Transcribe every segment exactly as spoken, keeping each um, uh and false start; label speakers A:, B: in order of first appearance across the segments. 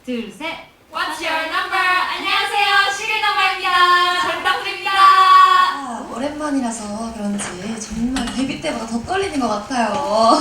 A: 둘, 셋.
B: What's your number? 안녕하세요, 시글 넘버입니다. 잘 부탁드립니다.
C: 아, 오랜만이라서 그런지 정말 데뷔 때보다 더 떨리는 것 같아요.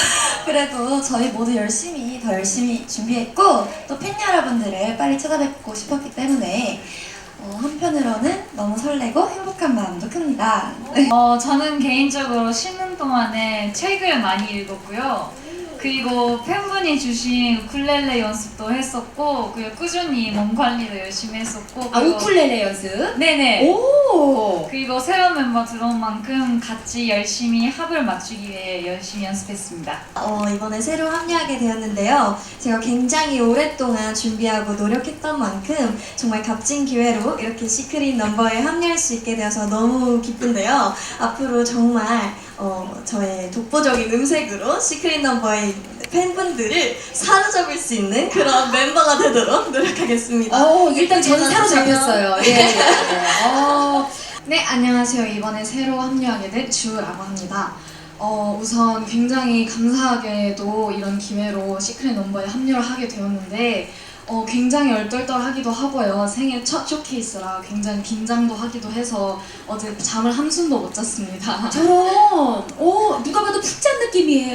C: 그래도 저희 모두 열심히 더 열심히 준비했고 또 팬 여러분들을 빨리 찾아뵙고 싶었기 때문에 어, 한편으로는 너무 설레고 행복한 마음도 큽니다.
A: 어, 저는 개인적으로 쉬는 동안에 책을 많이 읽었고요. 그리고 팬분이 주신 우쿨렐레 연습도 했었고, 그리고 꾸준히 몸 관리도 열심히 했었고.
B: 아,
A: 그리고-
B: 우쿨렐레 연습?
A: 네네.
B: 오!
A: 그리고 새로운 멤버 들어온 만큼 같이 열심히 합을 맞추기 위해 열심히 연습했습니다.
C: 어, 이번에 새로 합류하게 되었는데요. 제가 굉장히 오랫동안 준비하고 노력했던 만큼 정말 값진 기회로 이렇게 시크릿 넘버에 합류할 수 있게 되어서 너무 기쁜데요. 앞으로 정말 어, 저의 독보적인 음색으로 시크릿 넘버의 팬분들을 사로잡을 수 있는 그런 멤버가 되도록 노력하겠습니다.
B: 어, 일단 저는
C: 예쁘게
B: 사로잡혔어요. 예, 예, 예. 어,
D: 네, 안녕하세요. 이번에 새로 합류하게 된 주라고 합니다. 어, 우선 굉장히 감사하게도 이런 기회로 시크릿 넘버에 합류를 하게 되었는데 어, 굉장히 얼떨떨하기도 하고요. 생애 첫 쇼케이스라 굉장히 긴장도 하기도 해서 어제 잠을 한숨도 못 잤습니다.
B: 저런, 오, 누가 봐도 푹 잔 느낌이에요.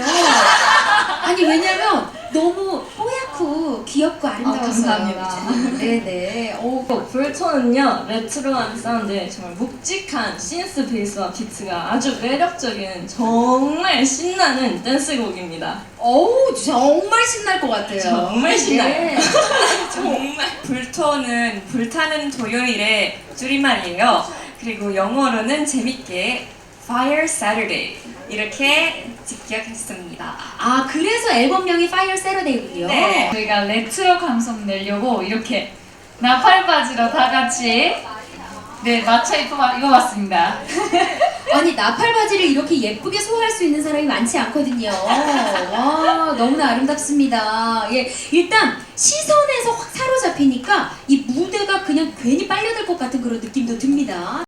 B: 아니, 왜냐면 너무 뽀얗고 귀엽고 아름다웠어요.
D: 감사합니다.
B: 네네. 오,
E: 불토는요, 레트로한 사운드에 정말 묵직한 신스 베이스와 비트가 아주 매력적인 정말 신나는 댄스곡입니다.
B: 어우, 정말 신날 것 같아요.
E: 정말 신나요.
B: 네.
E: 정말. 불토는 불타는 토요일의 줄임말이에요. 그리고 영어로는 재밌게 Fire Saturday 이렇게 직역했습니다.
B: 아, 그래서 앨범명이 Fire Saturday군요.
E: 네.
A: 저희가 레트로 감성 내려고 이렇게 나팔 바지로 다 같이 네 맞춰 입어, 입어봤습니다.
B: 아니, 나팔 바지를 이렇게 예쁘게 소화할 수 있는 사람이 많지 않거든요. 와, 너무나 아름답습니다. 예, 일단 시선에서 확 사로잡히니까 이 무대가 그냥 괜히 빨려들 것 같은 그런 느낌도 듭니다.